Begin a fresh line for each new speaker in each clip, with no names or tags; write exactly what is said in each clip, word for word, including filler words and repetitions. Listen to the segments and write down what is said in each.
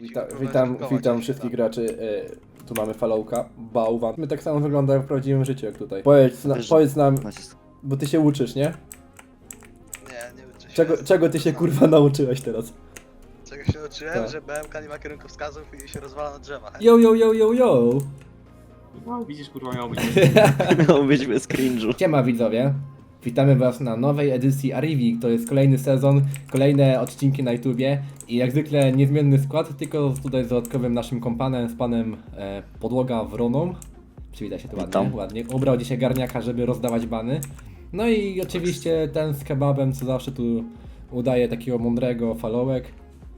Wita, witam, witam wszystkich graczy. E, tu mamy Followka, Bałwan. My tak samo wygląda w prawdziwym życiu jak tutaj. Powiedz, na,
Wiesz,
powiedz nam,
nacisk.
bo ty się uczysz, nie?
Nie, nie uczę się.
Czego, czego ty się kurwa nauczyłeś teraz?
Czego się uczyłem,
Tak.
że B M K nie ma kierunkowskazów i się rozwala na drzewa.
Yo, yo, yo, yo, yo!
No, widzisz, kurwa, miało być.
Miał być bez cringe'u.
Siema widzowie. Witamy was na nowej edycji Arrivi. To jest kolejny sezon, kolejne odcinki na YouTubie. I jak zwykle niezmienny skład, tylko tutaj z dodatkowym naszym kompanem, z panem e, Podłoga Wroną. Przywita się tu ładnie,
Witam.
ładnie. Ubrał dzisiaj garniaka, żeby rozdawać bany. No i oczywiście ten z kebabem, co zawsze tu udaje takiego mądrego Followek.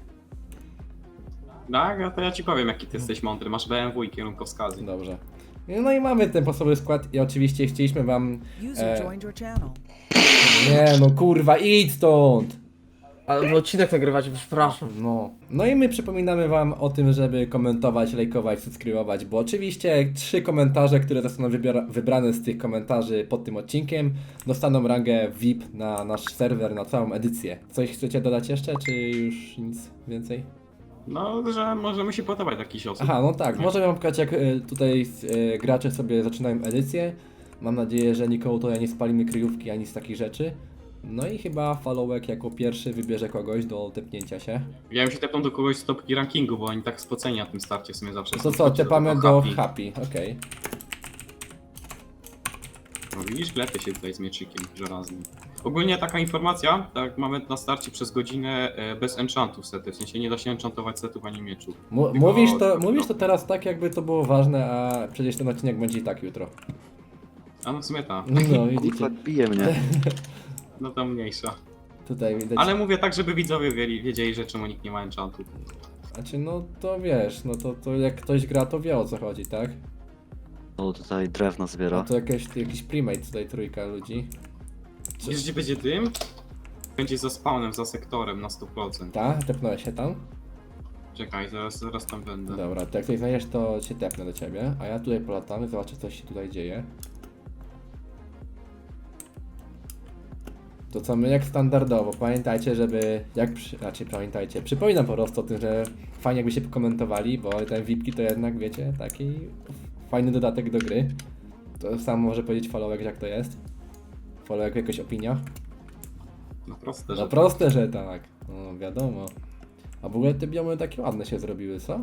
Tak, a to ja ci powiem, jaki ty jesteś mądry. Masz B M W i kierunkowskazy.
Dobrze. No i mamy ten podstawowy skład i oczywiście chcieliśmy wam...
User
E,
joined your channel.
nie no kurwa, idź stąd!
Ale odcinek nagrywacie, przepraszam.
No. No i my przypominamy wam o tym, żeby komentować, lajkować, subskrybować, bo oczywiście trzy komentarze, które zostaną wybiora- wybrane z tych komentarzy pod tym odcinkiem, dostaną rangę V I P na nasz serwer, na całą edycję. Coś chcecie dodać jeszcze, czy już nic więcej?
No, że możemy się podobać jakiś osób.
Aha, no tak, możemy wam pokazać jak y, tutaj y, gracze sobie zaczynają edycję. Mam nadzieję, że nikomu tutaj nie spalimy kryjówki ani z takich rzeczy. No i chyba Followek jako pierwszy wybierze kogoś do tepnięcia się.
Ja bym się tepnął do kogoś z topki rankingu, bo oni tak spoceni na tym starcie w sumie zawsze
To
są.
co,
Chodźcie
tepamy
tego
do
happy.
Happy, okej.
No widzisz, klepie się tutaj z mieczykiem żelaznym. Ogólnie taka informacja, tak mamy na starcie przez godzinę e, bez enchantów sety, w sensie nie da się enchantować setów ani mieczów.
Mu-
Tylko-
Mówisz to,
no.
mówisz to teraz tak, jakby to było ważne, a przecież ten odcinek będzie i tak jutro.
A no w sumie ta,
No
Kurwa,
widzicie,
bije mnie.
no to mniejsza.
tutaj widać.
Ale mówię tak, żeby widzowie wiedzieli, wiedzieli że czemu nikt nie ma enchantów.
Znaczy no to wiesz, no to, to jak ktoś gra, to wie o co chodzi, tak?
O, tutaj drewno
No
zbiera.
to jakieś, jakiś primate tutaj, trójka ludzi. Czy-
Wiesz gdzie będzie dym? Będzie za spawnem, za sektorem na sto procent.
Ta? Tepnąłeś się tam?
Czekaj, zaraz, zaraz tam będę.
Dobra, to jak coś znajdziesz, to się tepnę do ciebie, a ja tutaj polatamy, zobaczę co się tutaj dzieje. To co my jak standardowo, pamiętajcie, żeby, jak, przy, znaczy pamiętajcie, przypominam po prostu o tym, że fajnie jakby się pokomentowali, bo ten V I P-ki to jednak, wiecie, taki fajny dodatek do gry. To sam może powiedzieć Followek, jak to jest. Followek, jakaś opinia?
No proste,
No
że
proste, że tak, no wiadomo. A w ogóle te biomy takie ładne się zrobiły, co?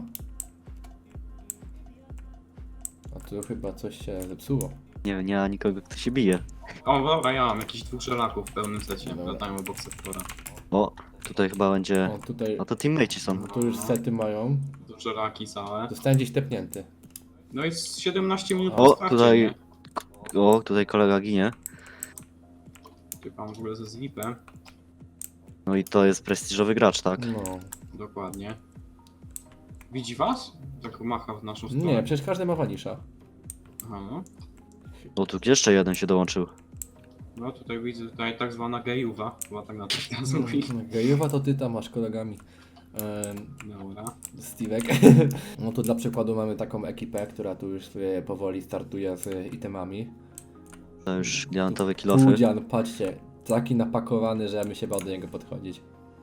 A tu chyba coś się zepsuło.
Nie, nie ma nikogo, kto się bije.
O, dobra, ja mam jakichś dwóch żelaków w pełnym secie.
Dobra.
Latają obok sektora.
O, tutaj chyba będzie...
O, tutaj,
No to teammateci są.
no tu już sety mają.
Tu żelaki całe.
Zostałem gdzieś tepnięty.
No i z siedemnaście minut
O,
po starcie,
tutaj-
nie?
O, tutaj kolega ginie.
Czekam w ogóle ze zlipem.
No i to jest prestiżowy gracz, tak?
No.
Dokładnie. Widzi was? Tak macha w naszą stronę.
Nie, przecież każdy ma wanisza.
Aha, no.
O, tu jeszcze jeden się dołączył.
No tutaj widzę tutaj tak zwana gejuwa. Chyba tak na to teraz mówi.
Gejowa to ty tam masz kolegami. Ehm,
Dobra.
Steve'ek. No tu dla przykładu mamy taką ekipę, która tu już sobie powoli startuje z itemami.
To już diamentowe kilofy.
Pudzian, patrzcie. Taki napakowany, że ja bym się bał do niego podchodzić.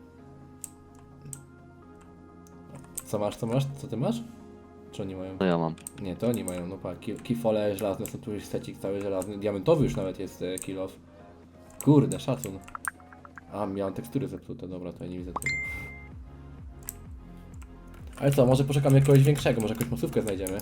Co masz, co masz? Co ty masz? Czy oni mają?
To ja mam.
Nie, to oni mają, no pa, ki- kifole żelazne, są tu już secik cały żelazny, diamentowy już nawet jest e, kill off. Kurde, szacun. A, miałem tekstury zepsute, dobra, to ja nie widzę tego. Ale co, może poszukamy jakiegoś większego, może jakąś masówkę znajdziemy?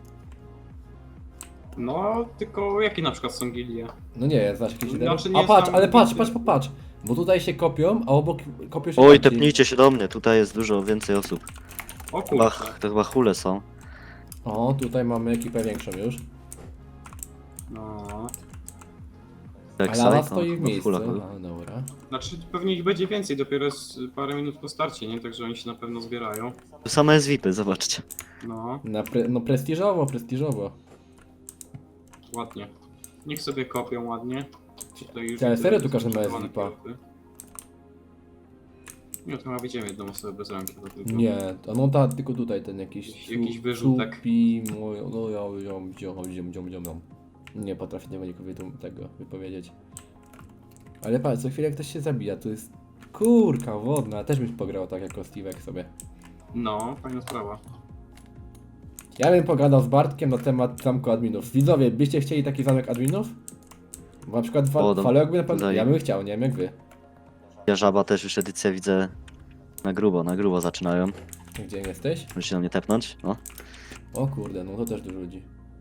No, tylko jakie na przykład są gildie?
No nie, znasz jakiś lider?
Znaczy nie
A patrz,
znam
ale patrz,
gildy.
patrz, patrz, bo tutaj się kopią, a obok kopią się
Oj,
tamci.
tepnijcie się do mnie, tutaj jest dużo więcej osób.
O
Chyba,
kurczę.
to chyba hule są.
O, tutaj mamy ekipę większą już.
No.
A
Backside,
lawa
no,
stoi w
chyba
miejscu.
hula, hula.
A, dobra.
Znaczy pewnie ich będzie więcej, dopiero jest parę minut po starcie, nie? Także oni się na pewno zbierają.
Tu same jest V I P-y, zobaczcie.
No,
Na pre, no prestiżowo, prestiżowo.
ładnie. Niech sobie kopią ładnie. Tutaj już
Ale
widzę,
serio
że
tu każdy ma
sprzedawane
zlipa?
kilofy. Nie, to chyba widzimy jedną osobę bez ręki. to tylko-
Nie, to no ta, tylko tutaj ten jakiś...
Jakiś- jakiś
su-
wyrzutek.
Supi, mój, no ja, ziom, ziom, ziom, ziom, ziom, ziom. Nie potrafię tego nikogo tego wypowiedzieć. Ale patrz, co chwilę ktoś się zabija, tu jest kurka wodna, też bym pograł tak jako Steve'ek sobie.
No, fajna sprawa.
Ja bym pogadał z Bartkiem na temat zamku adminów. Widzowie, byście chcieli taki zamek adminów? Bo na przykład
O,
fa-
do-
Faleo jakby na pewno...
daję.
Ja bym chciał, nie wiem jak wy.
Ja żaba też już edycja widzę na grubo, na grubo zaczynają.
Gdzie jesteś?
Musi na mnie tepnąć, no.
O kurde, no to też dużo ludzi.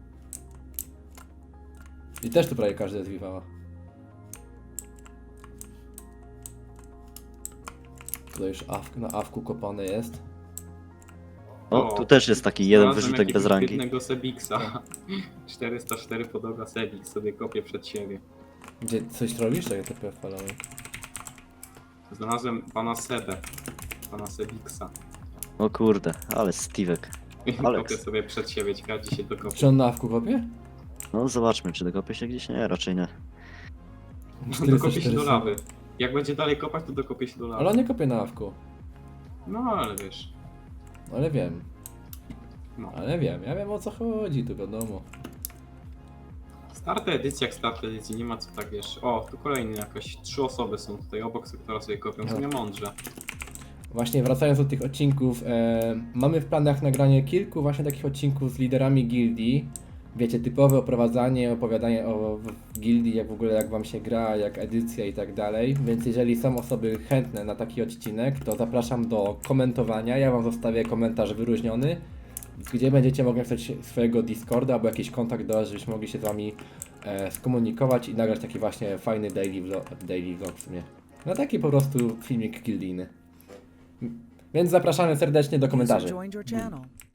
I też tu prawie każdy jest Vivala. Tutaj już awk, na awku kopane jest.
O,
O,
tu też jest taki jeden
Znalazłem
wyrzutek bez
jakiegoś
rangi.
biednego Sebixa. czterysta cztery podłoga Sebix sobie kopie przed siebie.
Gdzie coś robisz? Tak, T P Faleo.
Znalazłem pana Sebę. Pana Sebixa.
O kurde, ale Steve'ek.
I
Alex.
kopię sobie przed siebie, ciekawe gdzie się dokopie.
Czy on na awku kopie?
No zobaczmy, czy dokopie się gdzieś? Nie, raczej nie.
Dokopie się do lawy. Jak będzie dalej kopać, to dokopie się do lawy.
Ale on nie kopie na awku.
No ale wiesz.
Ale wiem.
No.
Ale wiem, ja wiem o co chodzi, tu wiadomo.
Starta edycja jak start edycji, nie ma co tak wiesz. O, tu kolejny jakaś trzy osoby są tutaj obok sektora sobie kopią, w sumie mądrze.
Właśnie wracając do tych odcinków, e, mamy w planach nagranie kilku właśnie takich odcinków z liderami gildii. Wiecie, typowe oprowadzanie, opowiadanie o w gildii, jak w ogóle jak wam się gra, jak edycja i tak dalej. Więc jeżeli są osoby chętne na taki odcinek, to zapraszam do komentowania. Ja wam zostawię komentarz wyróżniony, gdzie będziecie mogli napisać swojego Discorda albo jakiś kontakt do nas, żebyśmy mogli się z wami e, skomunikować i nagrać taki właśnie fajny daily vlog, daily vlog w sumie. No taki po prostu filmik gildijny. Więc zapraszamy serdecznie do
User
komentarzy.
joined your channel.